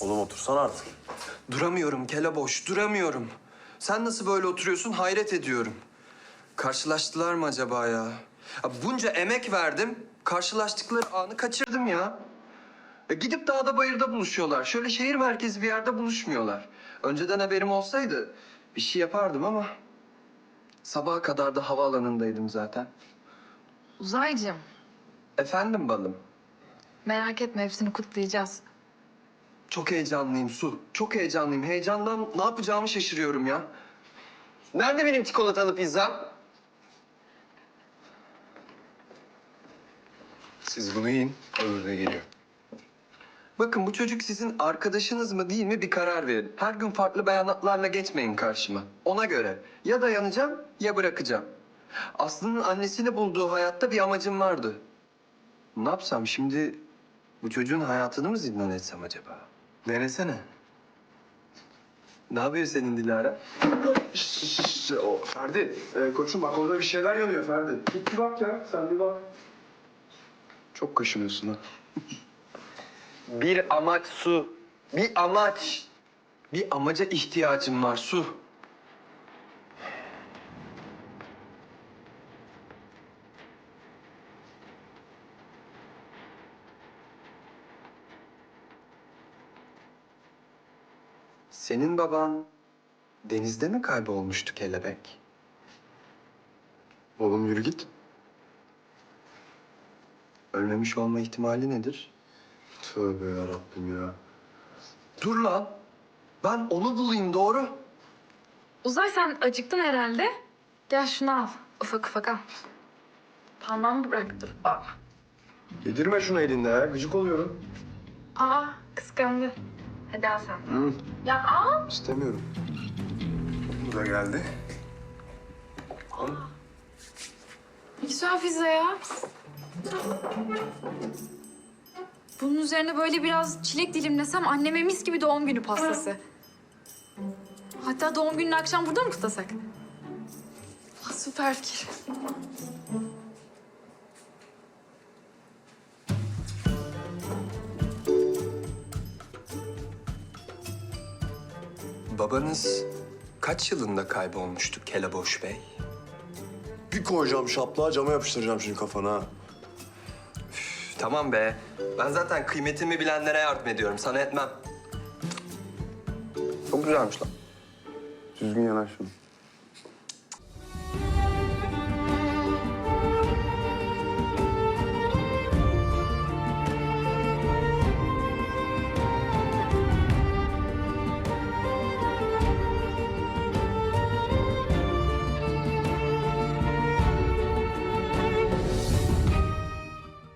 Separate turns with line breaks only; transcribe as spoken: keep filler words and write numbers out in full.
Oğlum otursana artık.
Duramıyorum keleboş, duramıyorum. Sen nasıl böyle oturuyorsun hayret ediyorum. Karşılaştılar mı acaba ya? Ya bunca emek verdim, karşılaştıkları anı kaçırdım ya. E gidip dağda bayırda buluşuyorlar. Şöyle şehir merkezi bir yerde buluşmuyorlar. Önceden haberim olsaydı bir şey yapardım ama... Sabaha kadar da havaalanındaydım zaten.
Uzaycığım,
Efendim balım.
merak etme hepsini kutlayacağız.
Çok heyecanlıyım Su. Çok heyecanlıyım. Heyecandan ne yapacağımı şaşırıyorum ya. Nerede benim çikolatalı pizzam?
Siz bunu yiyin, öbürü de geliyor.
Bakın bu çocuk sizin arkadaşınız mı değil mi bir karar verin. Her gün farklı beyanatlarla geçmeyin karşıma. Ona göre ya dayanacağım ya bırakacağım. Aslı'nın annesini bulduğu hayatta bir amacım vardı. Ne yapsam şimdi bu çocuğun hayatını mı zindan etsem acaba?
Denesene.
Ne yapıyor senin Dilara?
O Ferdi, e, koçum bak orada bir şeyler yanıyor Ferdi. Git bir bak ya, sen bir bak. Çok kaşınıyorsun ha.
Bir amaç Su. Bir amaç. Bir amaca ihtiyacım var Su. Senin baban denizde mi kaybolmuştu kelebek?
Oğlum yürü git.
Ölmemiş olma ihtimali nedir?
Tövbe yarabbim ya.
Dur lan. Ben onu bulayım doğru.
Uzay sen acıktın herhalde. Gel şunu al. Ufak ufak al. Parmağımı bıraktım. Aa,
Yedirme şunu elinde ya, gıcık oluyorum.
Aa kıskandı. Hadi al sen.
Hı,
Ya al.
istemiyorum. Bu da geldi.
Ne güzel pizza ya. Bunun üzerine böyle biraz çilek dilimlesem anneme mis gibi doğum günü pastası. Hatta doğum gününü akşam burada mı kutlasak? Ah, süper fikir.
Babanız kaç yılında kaybolmuştu Keleboş Bey?
Bir koyacağım şaplığa, cama yapıştıracağım şimdi kafana.
Üf, tamam be. Ben zaten kıymetimi bilenlere yardım ediyorum. Sana etmem. Çok güzelmiş lan.
Düzgün yanaş şunu.